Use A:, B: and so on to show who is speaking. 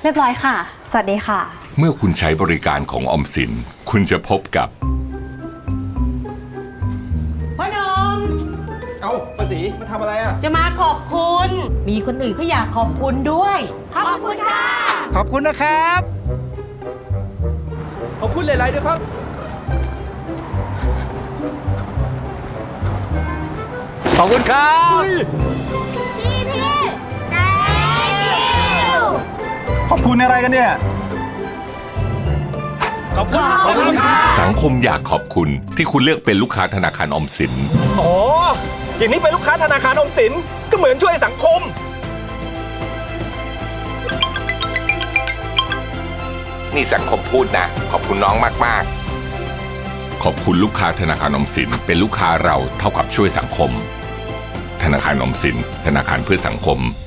A: รียบร้อยค่ะ
B: สวัสดีค่ะ
C: เมื่อคุณใช้บริการของออมสินคุณจะพบกับ
D: พ่อหนม
E: เอ้าป้าศรีมาทำอะไรอ่ะ
D: จะมาขอบคุณ มีคนอื่นเขาอยากขอบคุณด้วย ขอบคุณค่ะ
E: ขอบคุณนะครับ ขอบคุณหลายๆด้วยครับ ขอบคุณครับ
F: ขอบคุณอะไรกันเนี่ย
E: ขอบคุณครับ
C: สังคมอยากขอบคุณที่คุณเลือกเป็นลูกค้าธนาคารออมสิน
F: อ๋อ อย่างนี้เป็นลูกค้าธนาคารออมสินก็เหมือนช่วยสังคม
C: นี่สังคมพูดนะ ขอบคุณน้องมากๆ ขอบคุณลูกค้าธนาคารออมสินเป็นลูกค้าเราเท่ากับช่วยสังคม ธนาคารออมสินธนาคารเพื่อสังคม